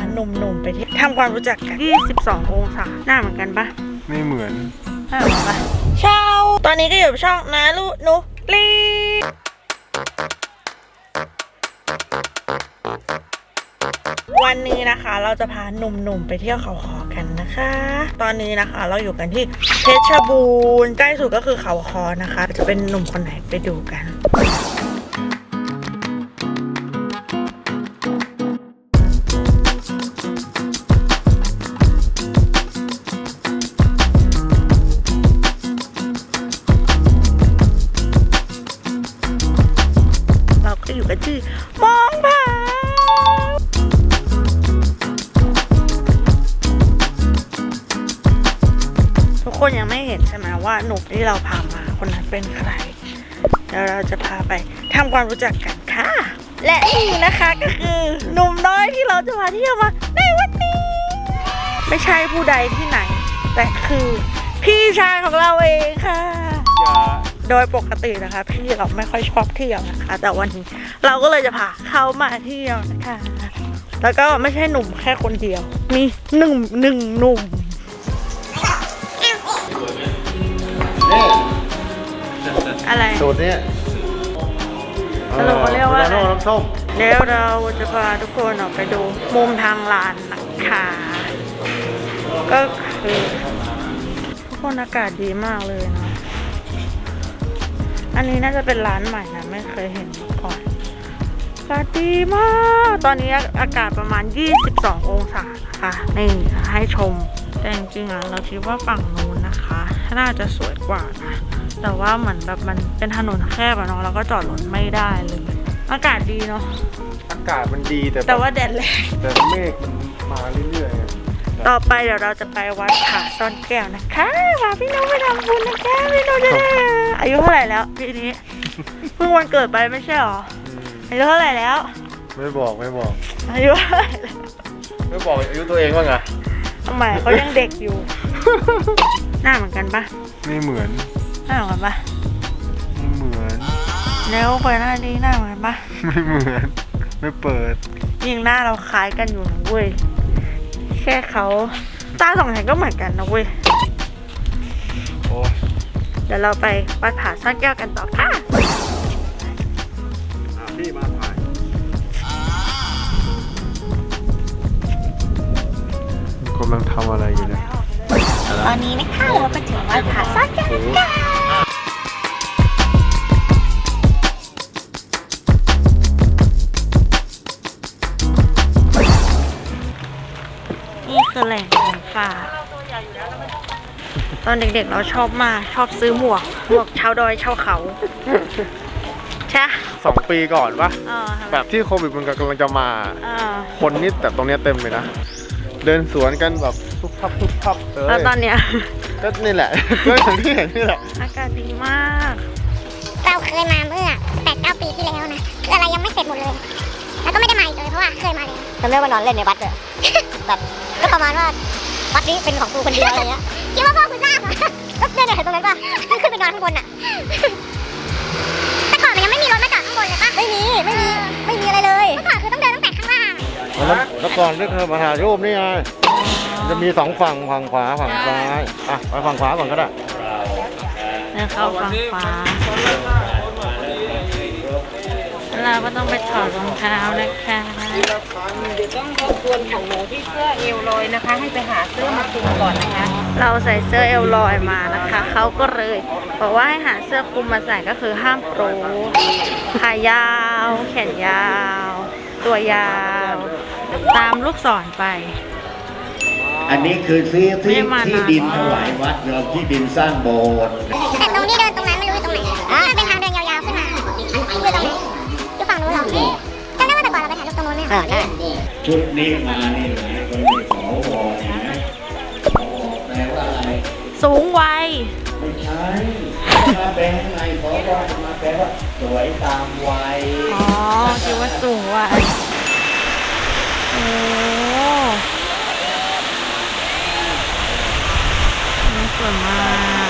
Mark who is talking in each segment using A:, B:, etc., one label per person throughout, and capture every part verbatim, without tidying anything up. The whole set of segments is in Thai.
A: หนุ่มๆไปที่ทำความรู้จักกันยี่สิบสององศาหน้าเหมือนกันปะ
B: ไม่เหมือน
A: หน้าเหมือนปะเช้าตอนนี้ก็อยู่กับช่องนาลูนุลีวันนี้นะคะเราจะพาหนุ่มๆไปเที่ยวเขาคอกันนะคะตอนนี้นะคะเราอยู่กันที่เพชรบูรณ์ใกล้สุดก็คือเขาคอนะคะจะเป็นหนุ่มคนไหนไปดูกันเราก็อยู่กันที่มองผาทุกคนยังไม่เห็นใช่ไหมว่าหนุ่มที่เราพามาคนนั้นเป็นใครเดี๋ยวเราจะพาไปทำความรู้จักกันค่ะและนี่นะคะก็คือหนุ่มน้อยที่เราจะมาเที่ยวมาในวันนี้ไม่ใช่ผู้ใดที่ไหนแต่คือพี่ชายของเราเองค่ะโดยปกตินะคะพี่เราไม่ค่อยชอบเที่ยวนะคะแต่วันนี้เราก็เลยจะพาเขามาเที่ยวนะคะแล้วก็ไม่ใช่หนุ่มแค่คนเดียวมีหนึ่งหนึ่งหนุ่มอะไร
B: สูตรนี้
A: สรุปว่าเรียกว่าอะไร
B: น้ำส้ม
A: แล้วเราจะพาทุกคนออกไปดูมุมทางลานนะคะก็คือทุกคนอากาศดีมากเลยนะอันนี้น่าจะเป็นร้านใหม่นะไม่เคยเห็นมาก่อนอากาศดีมากตอนนี้อากาศประมาณยี่สิบสององศานะคะนี่ให้ชมแต่จริงๆอ่ะเราคิดว่าฝั่งนู้นนะคะน่าจะสวยกว่านะแต่ว่าเหมือนแบบมันเป็นถนนแคบอะเนาะแล้วก็จอดรถไม่ได้เลยอากาศดีเนาะ
B: อากาศมันดีแต่
A: แต่ว่าแดดแรง
B: แต่เมฆมันมาเรื่อยๆ
A: ต่อไปเดี๋ยวเราจะไปวัดผาซ่อนแก้วนะคะพาพี่น้องไปทำบุญนะคะพี่น้องจะได้อายุเท่าไหร่แล้วปีนี้เพิ่งวันเกิดไปไม่ใช่หรออายุเท่าไหร่แล้ว
B: ไม่บอกไม่บอก
A: อายุเท่าไหร่แล้ว
B: ไม่บอกอายุตัวเองว่าไง
A: ทำไมเขายังเด็กอยู่หน้าเหมือนกันปะ
B: ไม่เหมือน
A: หน้าเหมือนกันปะ
B: ไม่เหมือน
A: แล้วเปิดหน้าดีหน้าเหมือนปะ
B: ไม่เหมือนไม่เปิด
A: ยิ่งหน้าเราคล้ายกันอยู่นะเว้ยแค่เขาตาสองแห่งก็เหมือนกันนะเว้ย
B: โอ้
A: เดี๋ยวเราไปวัดผาซ่อนแก้วกันต่อค่ะ
B: พี่มาถ่ายกำลังทำอะไรอยู่เนี่ย
A: ตอนนี้นะคะเราไปถึงวัดผาซ่อนแก้วกันนี่คือแหล่งของป่าตอนเด็กๆเราชอบมากชอบซื้อหมวกหมวกชาวดอยชาวเขาใช่
B: สองปีก่อนปะแบบที่โควิดมันกำลังจะมาคนนี่แต่ตรงนี้เต็มเลยนะเดินสวนกันแบบทุกพับทุกพับเลย
A: แล้วตอนเนี้ย
B: ก็นี่แหละก็อย่างที่เห็นนี่แหละ
A: อากาศดีมาก
C: เราเคยมาเมื่อแปดเก้าปีที่แล้วนะคืออะไรยังไม่เสร็จหมดเลยแล้วก็ไม่ได้มาอีกเลยเพราะว่าเคยมาเลย
D: จำได้ว่านอนเล่นในวัดเลยแบบก็ประมาณว่าวัดนี้เป็นของกูคนเดียวอะไรเงี้ย
C: คิดว่าพ่อคุณทราบเหรอก็เดินเห็นตรงนั้นป่ะขึ้นไปนอนข้างบนอ่ะแต่ก่อนมันยังไม่มีรถมาจอดข้างบนเลยป่ะ
D: ไม่มีไม่มีไม่มีอะไรเลย
C: เมื่อก่อนคือต้องเดินตั้งแต่ข้างล่าง
B: แล้วก่อนเรื่องมหาโยมนี่ไงจะมีสองฝั่งฝั่งขวาฝั่งซ้ายอ่ะไปฝั่งขวาก่อนก็ได้
A: แล้วเข้าฝั่งขวาเราก็ต้องไปถอดรองเท้านะคะ
D: เดี๋ยวต้องรบกวนของหนูที่เสื้อเอวลอยนะคะให้ไปหาเสื้อมาคลุมก่อนนะคะ
A: เราใส่เสื้อเอวลอยมานะคะเขาก็เลยบอกว่าให้หาเสื้อคลุมมาใส่ก็คือห้ามโปรขายาวแขนยาวตัวยาวตามลูกศรไป
E: อันนี้คือซื้อที่ที่ดินถวายวัดเราที่ดินสร้างโบสถ์
C: แต่ตรงที่เดินตรงนั้นไม่รู้อยู่ตรงไหนมันเป็นทางเดินยาวๆขึ้นมาอยู่ตรงนี้อยู่ฝั่งนู้นเหรอจำได้ว่าแต่ก่อนเราไปถ่ายรูปตรงนู้นไหมคะ
E: ชุดนี้มานี่หลายคนไปขอวอนนะแปลว่าอะไร
A: สูงวัย
E: ไม่ใช่มาแปลไงขอวอนมาแปลว่าสวยตามวัย
A: อ๋อคิดว่าสูงวัยโอ้นี่สวยมาก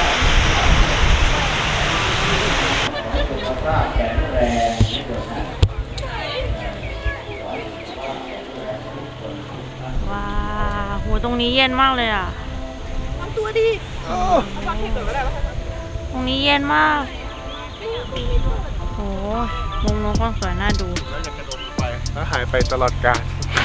E: สุขภาพแข็งแรง
A: ตรงนี้เย็นมากเลยอ่ะทำตัวดีตรงนี้เย็นมากโอ้มุมนู้นก็สวยน่าดู
B: แล้วจะกระโดดไปแล้วหายไปตลอดกาล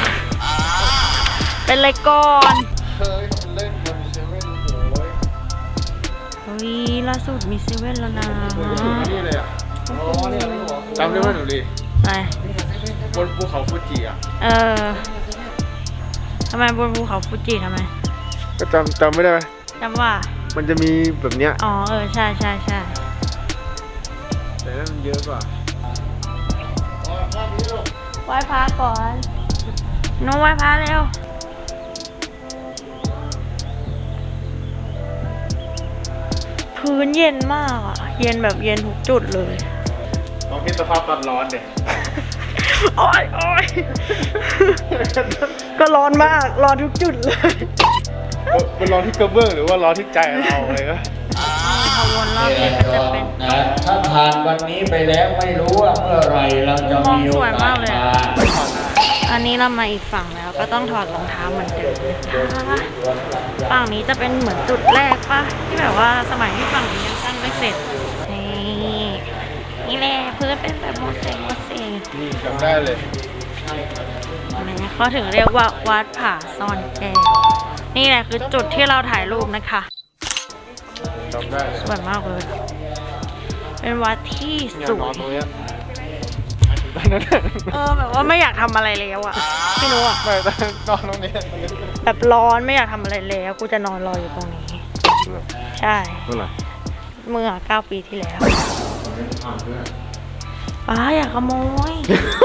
A: เป็นไรก่อน
B: เคยเล่นบนเซเว่นโอ้ย
A: เฮ้ยล่าสุดมีเซเว่นแล้วนะ
B: นี่เลยอ่ะจำได้ไหมหนูลี
A: ไป
B: บนภูเขาฟูจิอ่ะ
A: เออทำไมบนภูเขาฟูจิทำไม
B: ก็จำจำไม่ได้ไหม
A: จำว่า
B: มันจะมีแบบเนี้ย
A: อ๋อเออใช่ใช่ใช่
B: แต่นั่นมันเยอะกว่า
A: ไหว้พระก่อนน้องไหว้พระเร็วพื้นเย็นมากอ่ะเย็นแบบเย็นทุกจุดเลย
B: ลองคิดสภาพตอนร้อนเด็
A: โอ้ยโอ้ยก็ร้อนมากร้อนทุกจุดเลย
B: เป็นร้อนที่กระเบื้องหรือว่าร้อนที่ใจเราเลยก็
A: ขบวนรอบนี้ก็จะเป็น
E: นะถ้าผ่านวันนี้ไปแล้วไม่รู้ว่าเมื่อไหรเราจะมีโอกาสมา
A: อันนี้เรามาอีกฝั่งแล้วก็ต้องถอดรองเท้าเหมือนเดิมนะคะฝั่งนี้จะเป็นเหมือนจุดแรกปะที่แบบว่าสมัยที่ฝั่งนี้ยังสร้างไม่เสร็จนี่นี่แหละพื้นเป็นแบบโมเสกโมเสก
B: นี่จำได้เลย
A: นี่เขาถึงเรียกว่าวัดผาซ่อนแก้วนี่แหละคือจุดที่เราถ่ายรูปนะคะ
B: จำได้เลย
A: สวยมากเลย เป็นวัดที่
B: เนี่ย
A: ส
B: น
A: ว
B: อน
A: ย
B: ตรงเนี้ยตอนนั้น
A: เออแบบว่าไม่อยากทำอะไรแล้วอะไม่รู้อะ
B: ไม่ตอนนอนตรงนี้
A: แบบร้อนไม่อยากทำอะไรแล้วกูจะนอนรออยู่ตรงนี้ ใช่
B: เมื่อไหร่
A: เมื่อเก้าปีที่แล้วป้าอยากขโมย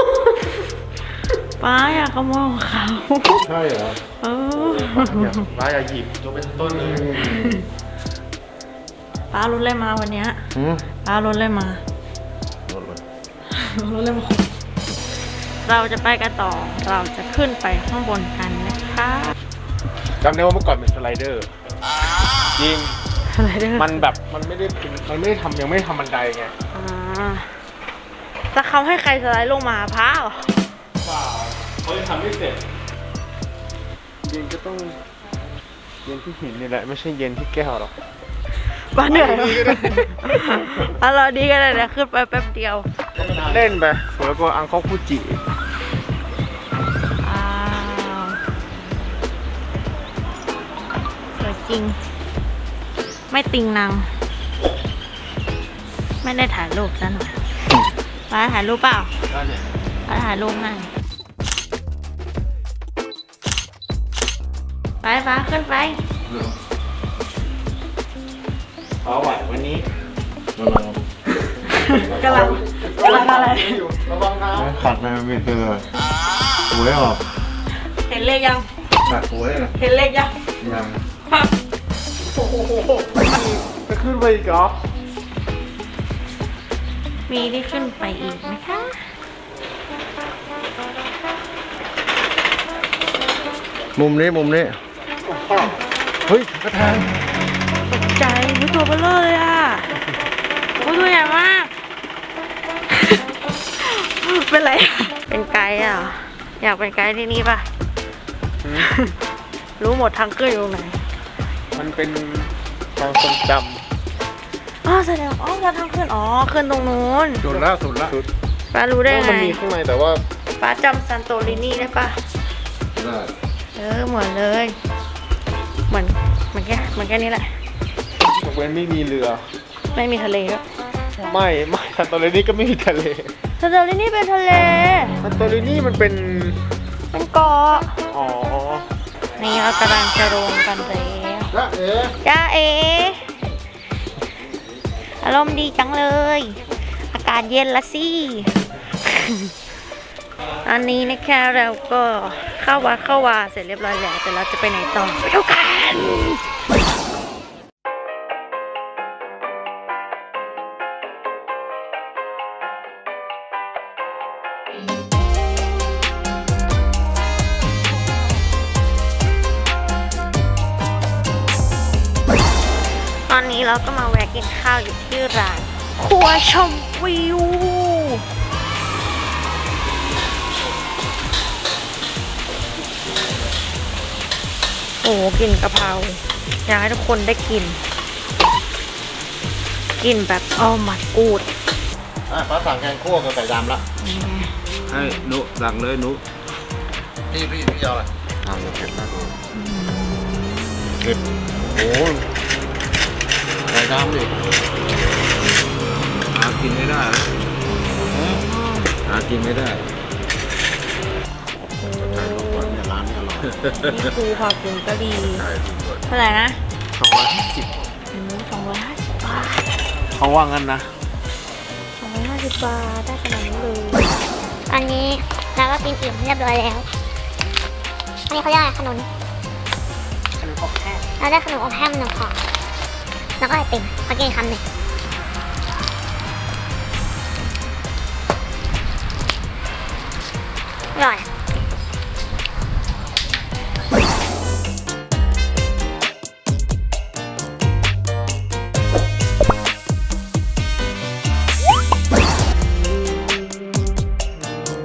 A: ป้าอยากขโมยของเขา
B: ใช่เหรอ
A: เออ
B: อย่าร้ายอย่าหยิบจนเป็นต้นเลย
A: ป้ารถเลยมาวันเนี้ย
B: หืม
A: ป้ารถเลยมา
B: รถเลย
A: รถเลยมาเราจะไปกันต่อเราจะขึ้นไปข้างบนกันนะคะ
B: จำได้ว่าเมื่อก่อนเป็นสไลเดอร์จริง
A: อะไรเด้อ
B: มันแบบมันไม่ได้เป็นมันไม่ได้ทำยังไม่ได้ทำบันไดไง
A: อ่าจะเขาให้ใครสไลด์ลงมาพระเหรอ
B: เปล่าเขายังทำไม่เสร็จเย็นก็ต้องเย็นที่หินนี่แหละไม่ใช่เย็นที่แก้วหรอก
A: บ้านเหนื่อยอ่ะเราดีกันเลยนะขึ้นไปแป๊บเดียว
B: เล่นไปสวยกว่าอังคอกฟูจิ
A: อ้าวสวยจริง ไม่ติงนางไม่ได้ถ่ายรูปซะหน่อยไปถ่ายรูปเปล่า
B: ได้เนี่ย
A: ไปถ่ายรูปให้ไปฟ้าขึ้นไป
B: เอาไหววันนี้
A: กำลังกำลังอะไร
B: ระวังนะ
E: ขัดไปไม่เป็นเลยหวยออก
A: เห็นเลขยัง
E: ขัดหวยนะ
A: เห็นเลขยัง
E: ยัง
A: โอ้โห
B: จะขึ้นไปอีกเหรอ
A: มีที่ขึ้นไปอีกนะคะ
E: มุมนี้มุมนี้เฮ้ยกระทาง
A: ตกใจไม่ตัวเบลอเลยอ่ะโอ้ตัวใหญ่มาก เป็นไรอะเป็นไกด์อ่ะ อยากเป็นไกด์ที่นี่ป่ะ รู้หมดทางขึ้นอยู่ตรงไหน
B: มันเป็นทางทรงจ
A: อ๋อแสดงอ๋อแล้วทางขึ้น อ๋อ ขึ้นตรงนู้น
B: ำสุดละสุดละ
A: ป้ารู้ได้
B: ว่า
A: ไง
B: มันมีข้างในแต่ว่า
A: ป้าจำซันโตรินีได้ป่ะ
E: ได้
A: เออ เหมือนเลย เหมือนเหมือนแค่เหมือนแค่นี้แหละ
B: ยกเว้นไม่มีเรือ
A: ไม่มีทะเลด้วย
B: ไม่ไม่ซันโตเรนี่ก็ไม่มีทะเล
A: ซันโตรินีเป็นทะเล
B: ซันโตเรนี่มันเป็น
A: เป็นเกาะ
B: อ๋อ
A: นี่เรากำลังจะลงกันแล้ว
B: แล้วเอ๊ะ
A: จ้าเอ อารมณ์ดีจังเลย อากาศเย็นละสิ อันนี้นะคะเราก็เข้าวัดเข้าวาเสร็จเรียบร้อยแล้ว แต่เราจะไปไหนต่อไปดูกันตอนนี้เราก็มาแวะกินข้าวอยู่ที่ร้านครัวชมวิว โอ้โอ้กลิ่นกะเพราอยากให้ทุกคนได้กินกลิ่นแบบอ้อมัดกูด
B: อ่ะฟ้าสั่งแกงคั่วกับไก่ดำละ
E: ให้นุสั่งเลยนุ
B: พี่พี่พี่เอาอะไรอ่าเผ็ดมากเลยเผ็ดโอ้ไก่ดำดิ
E: หากินไม่ได้หากินไม่ได้
B: ไก่ลูกก่อนเนี่ยร้านนี้อร่อย
A: นี่คือผักผงกะหรี่
B: ไก่ลูกก่อน
A: เท่าไหร่นะ
B: สองร้อยห้าสิบ
A: สองร้อยห้าสิบบาท
B: เขาว่างั้นนะ
A: สองร้อยห้าสิบบาทได้ขนาดนี้เลย
C: ตอนนี้เราก็กินอิ่มเรียบร้อยแล้วอันนี้เขาเรียกอะไรขนม
A: ขนมอบแห้ง
C: เราได้ขนมอบแห้งมาหนึ่งห่อแล้วก็ไอติมมากินคำหนึ่งอร่อย